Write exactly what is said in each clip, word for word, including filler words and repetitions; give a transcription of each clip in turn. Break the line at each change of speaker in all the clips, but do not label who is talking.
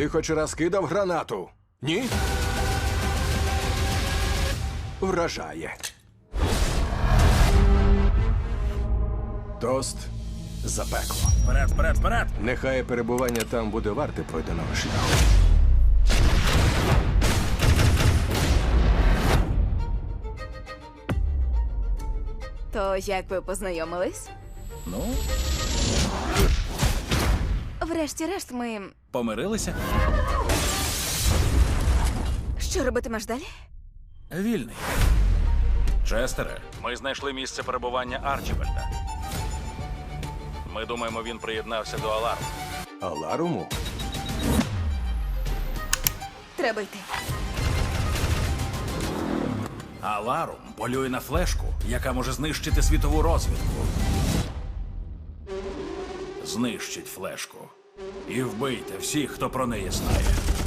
Ти хоч раз кидав гранату? Ні? Вражає. Тост за пекло.
Вперед, вперед, вперед!
Нехай перебування там буде варте пройденого шляху.
То як ви познайомились?
Ну,
Врешті-решт, ми.
помирилися?
Що робитимеш далі?
Вільний. Честере, ми знайшли місце перебування Арчібальда. Ми думаємо, він приєднався до Аларму.
Аларуму?
Треба йти.
Аларум полює на флешку, яка може знищити світову розвідку. Знищить флешку. І вбийте всіх, хто про неї знає.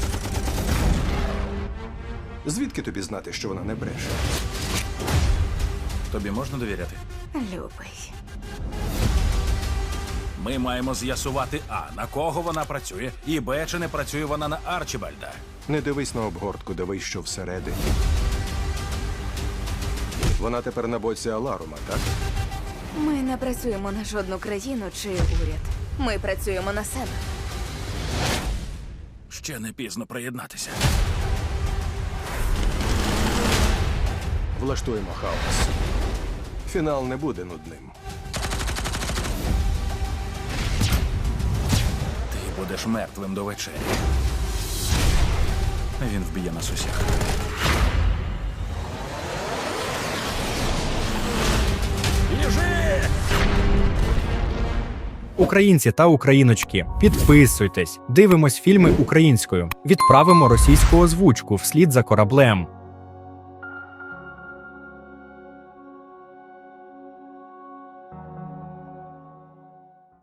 Звідки тобі знати, що вона не бреше?
Тобі можна довіряти?
Любий.
Ми маємо з'ясувати А, на кого вона працює, і Б, чи не працює вона на Арчібальда.
Не дивись на обгортку, дивись, що всередині. Вона тепер на боці Аларума, так?
Ми не працюємо на жодну країну чи уряд. Ми працюємо на себе.
Ще не пізно приєднатися.
Влаштуємо хаос. Фінал не буде нудним.
Ти будеш мертвим до вечері. Він вб'є нас усіх. Біжи!
Українці та україночки, підписуйтесь, дивимось фільми українською, відправимо російську озвучку вслід за кораблем.